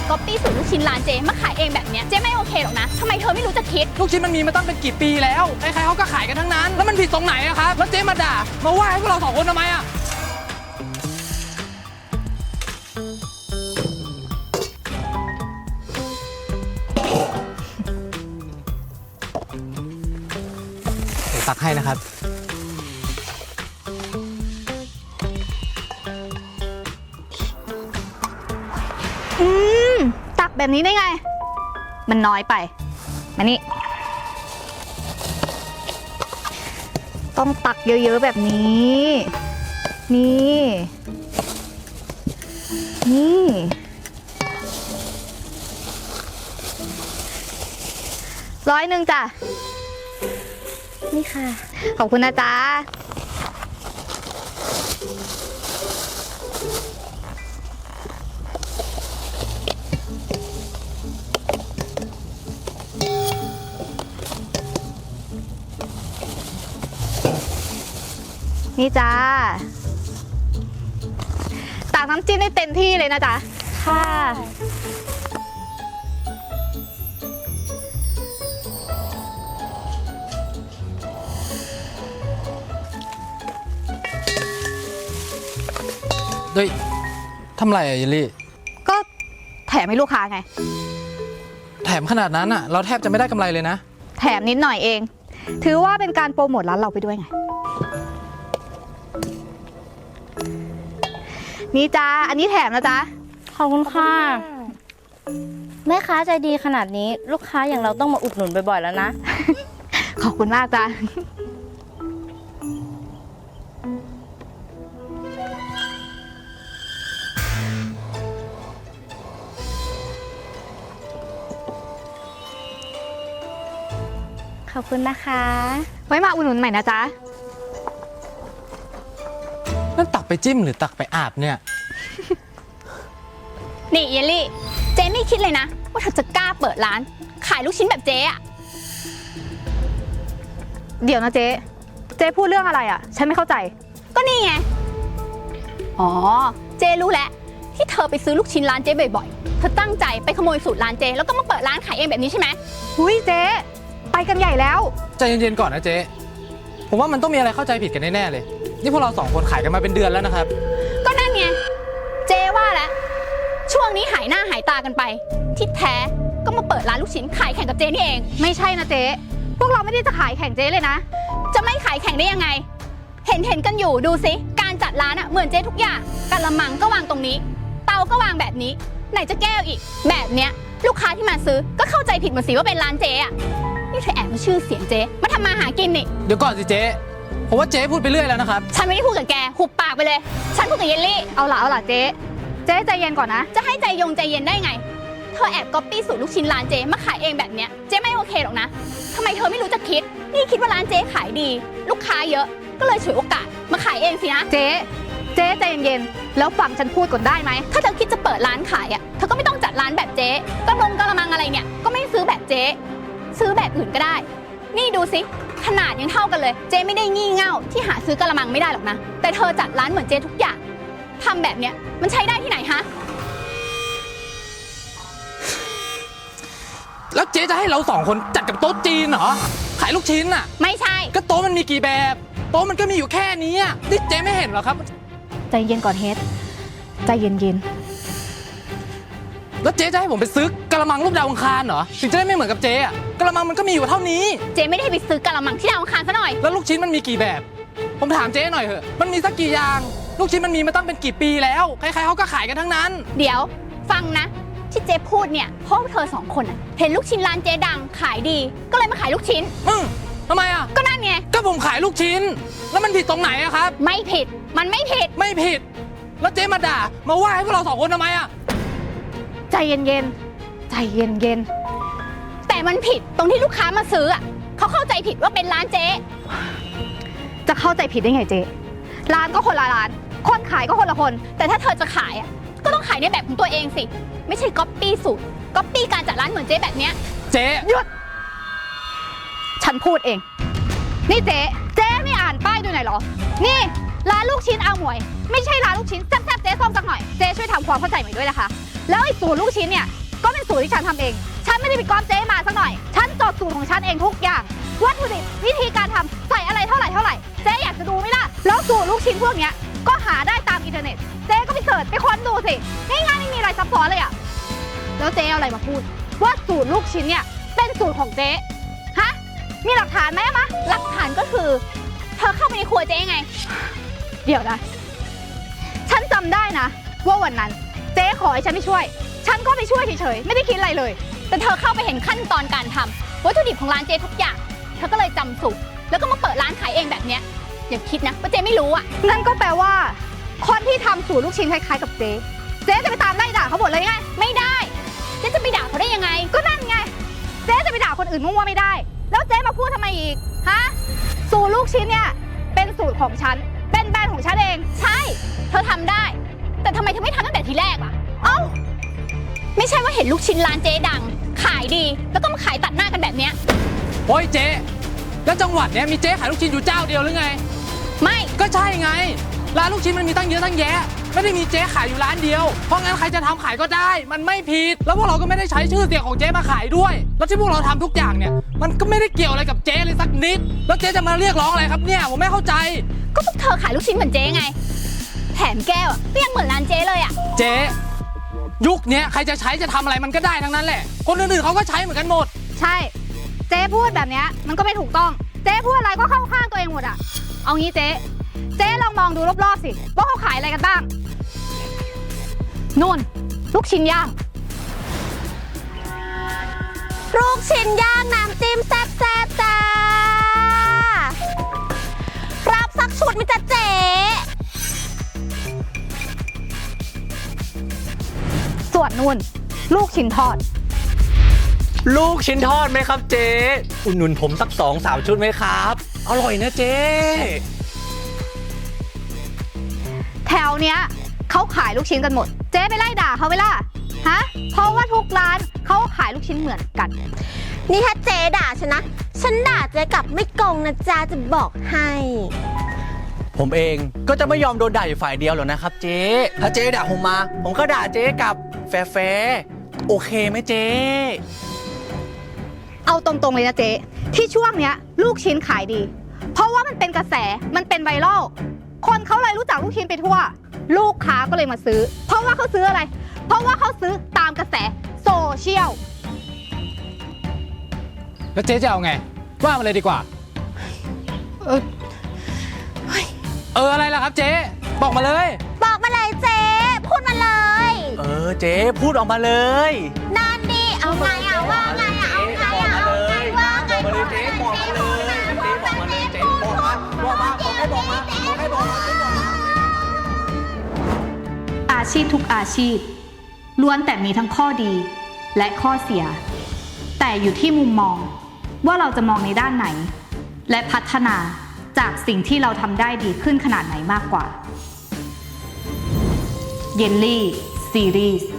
ก๊อปปี้สูตรลูกชิ้นร้านเจ๊มาขายเองแบบเนี้ยเจ๊ไม่โอเคหรอกนะทำไมเธอไม่รู้จะคิดลูกชิ้นมันมีมาตั้งเป็นกี่ปีแล้วใครๆเขาก็ขายกันทั้งนั้นแล้วมันผิดตรงไหนอะครับแล้วเจ๊มาด่ามาว่าให้พวกเราสองคนทำไมอะเดี๋ยวตักให้นะครับตักแบบนี้ได้ไงมันน้อยไปมานี่ต้องตักเยอะๆแบบนี้นี่100จ้ะนี่ค่ะขอบคุณนะจ๊ะนี่จ้าตักน้ำจิ้มได้เต็มที่เลยนะจ๊ะค่ะเฮ้ยทำไรอะเยลลี่ก็แถมให้ลูกค้าไงแถมขนาดนั้นอะเราแทบจะไม่ได้กำไรเลยนะแถมนิดหน่อยเองถือว่าเป็นการโปรโมทร้านเราไปด้วยไงนี่จ้าอันนี้แถมนะจ๊ะขอบคุณค่ะแม่ค้าใจดีขนาดนี้ลูกค้าอย่างเราต้องมาอุดหนุนบ่อยๆแล้วนะขอบคุณมากจ้าขอบคุณนะคะไว้มาอุดหนุนใหม่นะจ๊ะนั่นตักไปจิ้มหรือตักไปอาบเนี่ยนี่เยลลี่เจ๊ไม่คิดเลยนะว่าเธอจะกล้าเปิดร้านขายลูกชิ้นแบบเจ๊อะเดี๋ยวนะเจ๊พูดเรื่องอะไรอะฉันไม่เข้าใจก็นี่ไงอ๋อเจ๊รู้แล้วที่เธอไปซื้อลูกชิ้นร้านเจ๊บ่อยๆเธอตั้งใจไปขโมยสูตรร้านเจ๊แล้วก็มาเปิดร้านขายเองแบบนี้ใช่ไหมหุ้ยเจ๊ไปกันใหญ่แล้วใจเย็นๆก่อนนะเจ๊ผมว่ามันต้องมีอะไรเข้าใจผิดกันแน่ๆเลยนี่พวกเราสองคนขายกันมาเป็นเดือนแล้วนะครับก็นั่นไงเจ๊ว่าแล้วช่วงนี้หายหน้าหายตากันไปที่แท้ก็มาเปิดร้านลูกชิ้นขายแข่งกับเจ๊นี่เองไม่ใช่นะเจ๊พวกเราไม่ได้จะขายแข่งเจ๊เลยนะจะไม่ขายแข่งได้ยังไงเห็นกันอยู่ดูสิการจัดร้านอะเหมือนเจ๊ทุกอย่างกะละมังก็วางตรงนี้เตาก็วางแบบนี้ไหนจะแก้วอีกแบบเนี้ยลูกค้าที่มาซื้อก็เข้าใจผิดหมดสิว่าเป็นร้านเจ๊อะนี่เธอแอบมาชื่อเสียงเจ๊มาทำมาหากินนี่เดี๋ยวก่อนสิเจ๊ผมว่าเจ๊พูดไปเรื่อยแล้วนะครับฉันไม่ได้พูดกับแกหุบปากไปเลยฉันพูดกับเยลลี่เอาล่ะเจ๊ใจเย็นก่อนนะจะให้ใจเย็นได้ไงเธอแอบก๊อปปี้สูตรลูกชิ้นร้านเจ๊มาขายเองแบบเนี้ยเจ๊ไม่โอเคหรอกนะทำไมเธอไม่รู้จะคิดนี่คิดว่าร้านเจ๊ขายดีลูกค้าเยอะก็เลยฉวยโอกาสมาขายเองสินะเจ๊ใจเย็นแล้วฟังฉันพูดก่อนได้ไหมถ้าเธอคิดจะเปิดร้านขายอ่ะเธอก็ไม่ต้องจัดร้านแบบเจ๊กระมังอะไรเนี่ยก็ไม่ซื้อแบบเจ๊ซื้อแบบอื่นก็ได้นี่ดูสิขนาดยังเท่ากันเลยเจ๊ไม่ได้งี่เง่าที่หาซื้อกระมังไม่ได้หรอกนะแต่เธอจัดร้านเหมือนเจ๊ทุกอย่างทำแบบเนี้ยมันใช้ได้ที่ไหนฮะแล้วเจ๊จะให้เราสองคนจัดกับโต๊ะจีนเหรอขายลูกชิ้นอ่ะไม่ใช่ก็โต๊ะมันมีกี่แบบโต๊ะมันก็มีอยู่แค่นี้อ่ะนี่เจ๊ไม่เห็นเหรอครับใจเย็นก่อนเฮดใจเย็นแล้วเจ๊จะให้ผมไปซื้อกระมังรูปดาวอังคารเหรอถึงจะได้ไม่เหมือนกับเจ๊อ่ะกระมังมันก็มีอยู่เท่านี้เจ๊ไม่ได้ไปซื้อกระมังที่ดาวอังคารซะหน่อยแล้วลูกชิ้นมันมีกี่แบบผมถามเจ๊หน่อยเถอะมันมีสักกี่อย่างลูกชิ้นมันมีมาตั้งเป็นกี่ปีแล้วใครๆเขาก็ขายกันทั้งนั้นเดี๋ยวฟังนะที่เจ๊พูดเนี่ยเพราะเธอสองคนอ่ะเห็นลูกชิ้นร้านเจ๊ดังขายดีก็เลยมาขายลูกชิ้นทำไมอ่ะก็นั่นไงก็ผมขายลูกชิ้นแล้วมันผิดตรงไหนอะครับไม่ผิดมันไม่ผิดแล้วเจ๊มาด่ามาว่าให้พวกเราสองคนทำไมอะใจเย็นแต่มันผิดตรงที่ลูกค้ามาซื้ออ่ะเขาเข้าใจผิดว่าเป็นร้านเจ๊จะเข้าใจผิดได้ไงเจ๊ร้านก็คนละร้านคนขายก็คนละคนแต่ถ้าเธอจะขายอ่ะก็ต้องขายในแบบของตัวเองสิไม่ใช่ก๊อปปี้สูตรก๊อปปี้การจัดร้านเหมือนเจ๊แบบเนี้ยเจ๊หยุดฉันพูดเองนี่เจ๊ไม่อ่านป้ายดูหน่อยเหรอนี่ร้านลูกชิ้นอาหมวยไม่ใช่ร้านลูกชิ้นแซ่บๆเจ๊ส้มสักหน่อยเจ๊ช่วยทำความเข้าใจใหม่ด้วยนะคะแล้วไอ้สูตรลูกชิ้นเนี่ยก็เป็นสูตรที่ฉันทำเอง ฉันไม่ได้ไปก๊อปเจ๊มาสักหน่อย ฉันจดสูตรของฉันเองทุกอย่าง วัตถุดิบวิธีการทำใส่อะไรเท่าไหร่เจ๊อยากจะดูไหมล่ะ แล้วสูตรลูกชิ้นพวกเนี้ยก็หาได้ตามอินเทอร์เน็ต เจ๊ก็ไปเสิร์ชไปค้นดูสิง่ายๆไม่มีอะไรซับซ้อนเลยอะแล้วเจ๊เอาอะไรมาพูดว่าสูตรลูกชิ้นเนี่ยเป็นสูตรของเจ๊ฮะมีหลักฐานไหมอะมะหลักฐานก็คือเธอเข้าไปในครัวเจ๊ไงเดี๋ยวนะฉันจำได้นะว่าวันนั้นเจ๊ขอให้ฉันไปช่วยฉันก็ไปช่วยเฉยๆไม่ได้คิดอะไรเลยแต่เธอเข้าไปเห็นขั้นตอนการทำวัตถุดิบของร้านเจ๊ทุกอย่างเธอก็เลยจำสูตรแล้วก็มาเปิดร้านขายเองแบบเนี้ยอย่าคิดนะว่าเจ๊ไม่รู้อ่ะนั่นก็แปลว่าคนที่ทำสูตรลูกชิ้นคล้ายๆกับเจ๊จะไปตามไล่ด่าเขาหมดเลยไงไม่ได้เจ๊จะไปด่าเขาได้ยังไงก็นั่นไงเจ๊จะไปด่าคนอื่นมั่วๆไม่ได้แล้วเจ๊มาพูดทำไมอีกฮะสูตรลูกชิ้นเนี่ยเป็นสูตรของฉันเป็นแบรนด์ของฉันเองใช่เธอทำได้แต่ทำไมเธอไม่ทำตั้งแต่ทีแรกล่ะเอ้าไม่ใช่ว่าเห็นลูกชิ้นร้านเจ๊ดังขายดีแล้วก็มาขายตัดหน้ากันแบบเนี้ยโอ้ยเจ๊แล้วจังหวัดเนี้ยมีเจ๊ขายลูกชิ้นอยู่เจ้าเดียวหรือไงไม่ก็ใช่ไงร้านลูกชิ้นมันมีตั้งเยอะตั้งแยะไม่ได้มีเจ๊ขายอยู่ร้านเดียวเพราะงั้นใครจะทำขายก็ได้มันไม่ผิดแล้วพวกเราก็ไม่ได้ใช้ชื่อเสียงของเจ๊มาขายด้วยแล้วที่พวกเราทำทุกอย่างเนี่ยมันก็ไม่ได้เกี่ยวอะไรกับเจ๊เลยสักนิดแล้วเจ๊จะมาเรียกร้องอะไรครับเนี่ยผมไม่เข้าใจก็พวกเธอขายลูกชิ้นเหมือนเจ๊ไงแถมแก้วก็ยังเหมือนร้านเจ๊เลยอ่ะเจ๊ยุคนี้ใครจะใช้จะทำอะไรมันก็ได้ทั้งนั้นแหละคนอื่นๆเขาก็ใช้เหมือนกันหมดใช่เจ๊พูดแบบนี้มันก็ไม่ถูกต้องเจ๊พูดอะไรก็เข้าข้างตัวเองหมดอ่ะเอางี้เจ๊ลองมองดูรอบๆสิว่าเขาขายอะไรกันบ้างนู่นลูกชิ้นย่างลูกชิ้นย่างน้ำจิ้มแซ่บๆจ้ารับสักชุดมิจ๊ะเจ๊ส่วนนู่นลูกชิ้นทอดลูกชิ้นทอดไหมครับเจ๊อุ่นหนุนผมสัก2-3 ชุดไหมครับอร่อยนะเจ๊แถวเนี้ยเขาขายลูกชิ้นกันหมดเจ๊ไปไล่ด่าเขาไปล่ะฮะเพราะว่าทุกร้านเขาขายลูกชิ้นเหมือนกันนี่ถ้าเจ๊ด่าฉันนะฉันด่าเจ๊กลับไม่โกงนะจ๊ะจะบอกให้ผมเองก็จะไม่ยอมโดนด่าอยู่ฝ่ายเดียวหรอกนะครับเจ๊ถ้าเจ๊ด่าผมมาผมก็ด่าเจ๊กลับแฟร์โอเคไหมเจ๊เอาตรงๆเลยนะเจ๊ที่ช่วงเนี้ยลูกชิ้นขายดีเพราะว่ามันเป็นกระแสมันเป็นไวรัลคนเขาเลยรู้จักลูกชิ้นไปทั่วลูกค้าก็เลยมาซื้อเพราะว่าเขาซื้ออะไรเพราะว่าเขาซื้อตามกระแสโซเชียลแล้วเจ๊จะเอาไงว่ามาเลยดีกว่าอะไรล่ะครับเจ๊บอกมาเลยเจ๊พูดมาเลยเจ๊พูดออกมาเลยนั่นดิเอาไงว่าไงเอาไงว่าไงบอกมาเลยเจ๊บอกมาเลยบอกมาเลยเจ๊บอกมาอาชีพทุกอาชีพล้วนแต่มีทั้งข้อดีและข้อเสียแต่อยู่ที่มุมมองว่าเราจะมองในด้านไหนและพัฒนาจากสิ่งที่เราทำได้ดีขึ้นขนาดไหนมากกว่าเยลลี่ซีรีส์